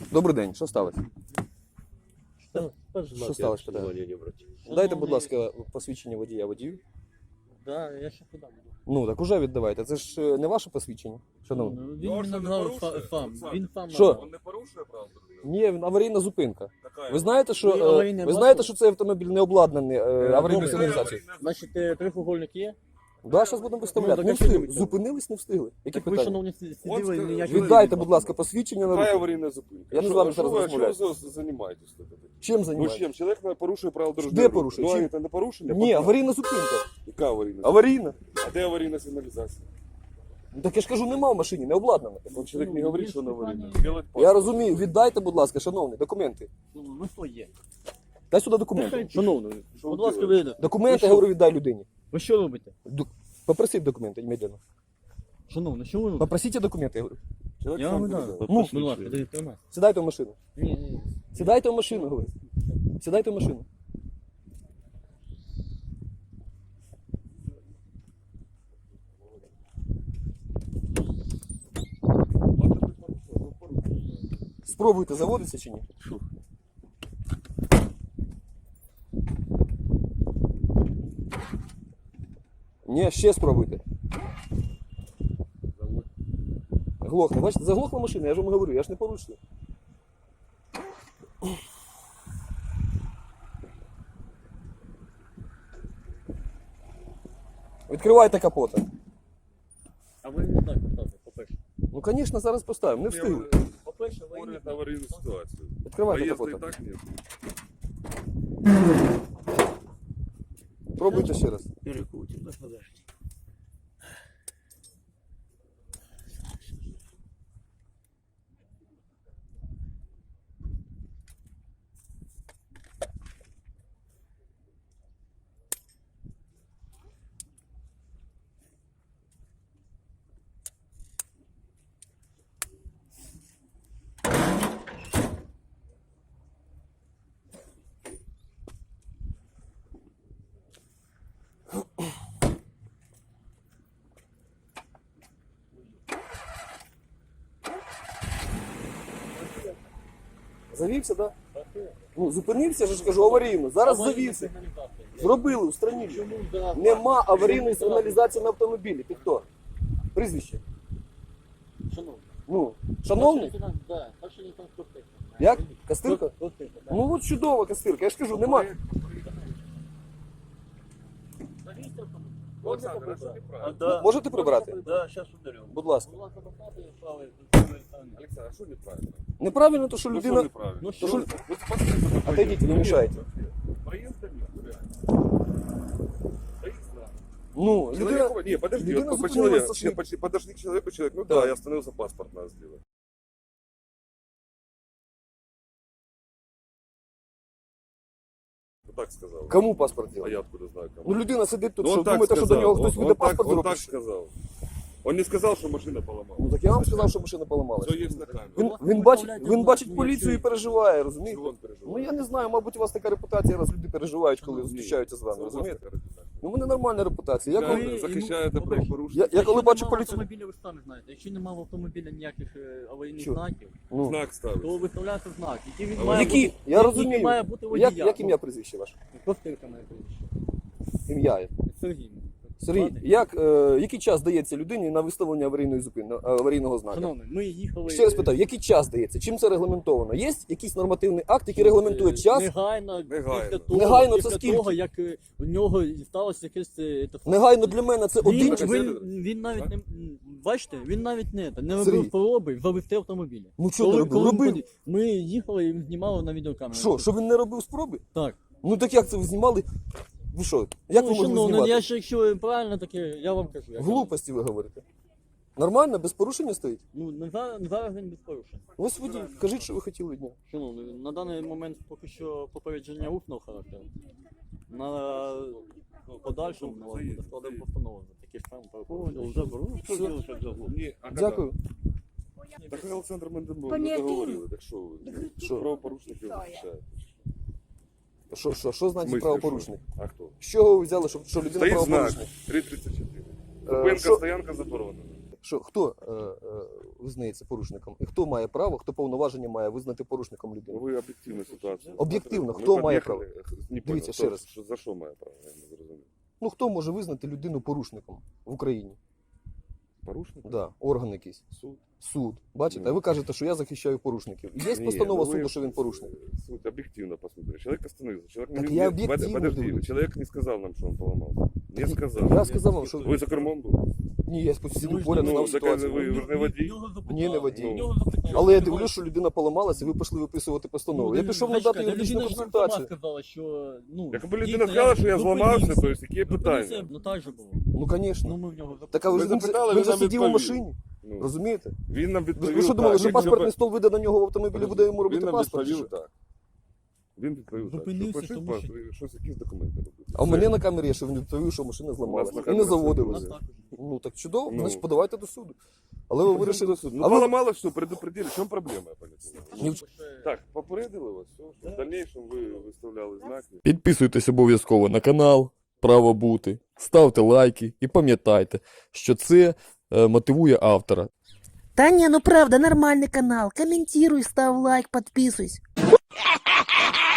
Добрий день, що сталося? Що сталося, питаю? Дайте, будь ласка, посвідчення водію. Да, я ще подам. Ну, так уже віддавайте. Це ж не ваше посвідчення, шановний. Ну, він мені назвав фам. Він фам. Що? назвав. Он не порушує правила дорожнього Ні, аварійна зупинка. руху? Ви знаєте, що, Ви аварійне ви знаєте, бачили? що цей автомобіль не обладнаний аварійною добре. сигналізацією? Значить, трихугольник є? Да, зараз будемо виставляти. Ну, Не так, а що встигли. ви- Зупинились, не встигли. Які Так ви, питання? шановні, сиділи От, і ніякі... Віддайте, будь ласка, посвідчення на Какая руку. аварийная зупинка? Я не з вами зараз розмовляю. Что вы занимаетесь? Чим Ну займаєтесь? чем? Человек порушує правила дорожнього Де руху. порушує? Ну, а Чим? это не порушення? Ні, аварійна зупинка. Яка аварійна? Аварійна. А де аварійна сигналізація? Ну, так я ж кажу, нема в машині, не обладнана. Он человек не говорит, что она аварийна. Делать Я розумію, віддайте, будь ласка, шановний, документи. Ну, своє. Дай сюди документи. Шановний, Що будь ви ласка, робите? вийде. Документи, я говорю, віддай людині. Ви що робите? Попросіть документи, немедленно. Шановний, що ви робите? Попросите документи, я говорю. Человек Я сам вам говорит. дам. Ну, Будь ласка, дайте у нас. Сідайте в машину. Ні. Сідайте в машину, говорю. Сідайте в машину. Спробуйте заводитися чи ні? Ні, ще спробуйте. Глохне. Бачите, заглохла машина, я ж вам говорю, я ж не порушую. Відкривайте капота. А ви не так поставте, по-перше. Ну, звісно, зараз поставимо, не встигли. По-перше, ви Говорит аварийную ситуацию. Відкривайте Поезда и капота. так нет. Пробуйте ще раз. перекрутите, да, подожди. Завівся, так? Да? Ну, зупинився, я ж кажу, аварійно. Зараз завівся. Зробили, устранили. Чому, да? Нема аварійної сигналізації на автомобілі. Ти хто? Прізвище. Шановний. Ну, шановний? Да, перший не конструктив. Як? Кастирка? Ну от чудова кастирка. Я ж кажу, нема. Олександр, а що неправильно? Да. Можете прибрати? Да, сейчас ударю. Будь ласка. Александр, а что неправильно? Неправильно, то що Ну, людина... что неправильно? Ну, То що? що... Вот посмотрите, Отойдите, не мешайте. Проезда нет, Проезда. Ну, людина... Человек, не, подожди, людина вот по зупинилась человеку, со шли- подошли к человеку, ну Да. да, я остановился, паспорт надо сделать. Вот так сказал. Кому паспорт А делать? я откуда знаю, кому? Ну, людина сидить тут, Ну, що он так думаєте, що до сказал, нього хтось он буде так- паспорт Он так зробити? сказал. Он не сказал, что машина поломалась. Ну, так я вам сказав, що машина поламалася. Все есть на камеру. Він бачить поліцію і переживає, розумієте? Чего он переживал? Ну я не знаю, мабуть, у вас така репутація, раз люди переживають, коли Ні, зустрічаються з вами, це у вас розумієте? така репутація. Ну, в мене нормальна репутація. Я Ви коли... захищаєте правопорушення. Я коли бачу Якщо поліцію... немає автомобіля, ви самі знаєте. Якщо немає в автомобіля ніяких аварійних Що? знаків, Ну, Знак ставить. то виставляється знак, який він А має які? бути. Я який розумію. має бути водія. як ім'я прізвище ваше? Костирка має прізвище. Ім'я. Сергій. Сергій, Ладно. який час дається людині на виставлення аварійного знака? Шановний, ми їхали... Ще раз питаю, який час дається? Чим це регламентовано? Є якийсь нормативний акт, який регламентує час? Негайно, Негайно. після того, Негайно це після скільки? того, як у нього сталося якесь... Негайно для мене це один чи... Він навіть не... Бачите, він навіть не Сергій. робив спроби завести автомобіль. Ну що ти робив? Робив? Ми їхали і знімали на відеокамеру. Що він не робив спроби? Так. Ну так як це ви знімали? Ви що? Як ви можете шановний, знімати? я ж якщо правильно таке, я вам кажу. як Глупості ви говорите. Нормально, без порушення стоїть? Ну, зараз він без порушень. Ось водій, кажіть, що ви хотіли дня. Шановний, на даний момент поки що попередження усного характеру. На подальшому на вас буде складемо постанову за такі ж самі порушення. Ні, а когда? Дякую. Так Олександр Менденбург Понятий. договорили, так що ви? Що? Правопорушників захищаєте. Що значить правопорушник? А хто? З чого ви взяли, що людина Стоїть знак правопорушник? 334. Що? Зупинка, стоянка заборонена. що хто визнається порушником і хто має право, хто повноваження має визнати порушником Ну, людину. ви об'єктивну ситуацію. Об'єктивно, Ми хто має під'їхали, Не Дивіться, понял, ще раз. За що має право? Я не зрозумів. Ну хто може визнати людину порушником в Україні? Порушник? Да, орган якийсь. Суд. Суд. Бачите, а ви кажете, що я захищаю порушників. Є Ні, постанова ну ви суду, що він порушник. Суд объективно посмотрели. Человек остановился. Человек Так не, я не- объективно Подожди, говорю. человек не сказал нам, что он поломался. Не сказал. Я сказав вам, що Вы за кермом був? ні, я постійно Ну, поряд ну, знав так, ситуацію. ви ж не водій? Ні, не водій. Ну. Але я дивлюсь, що людина поламалася, і ви пішли виписувати постанову. Я пішов надати юридичну консультацію. Сказала, що, ну, Якби людина дійсно, сказала, що я зупинився. зламався, то есть які Зупинився, питання? Ну так же було. Ну, звісно. Ну ми в нього Так, а ви Ми ж він запитали, він він же нам сидів у відповів. машині, Ну, розумієте? він нам відповів. Ви що думали, так. що Він паспортний нам- стол вийде на нього в автомобілі, буде йому робити Він нам паспорт? чи відповів що? так. Він відповів так. Зупинився, Що пишіть тому паспорт, щось, якісь документи робити. А у мене на камері є, що він відповів, що машина зламалася. на І не камері заводилася. це Ну так чудово, Ну. значить подавайте до суду. Але ви вирішили. Ну, А ви поломало все, предупредили. В чому проблема, я понял? Ні в Так, попередили вас, все, що в дальнейшем ви виставляли знаки. Підписуйтесь обов'язково на канал Право бути, ставте лайки і пам'ятайте, що це мотивує автора. Да не, ну правда, нормальный канал. Комментируй, ставь лайк, подписывайся.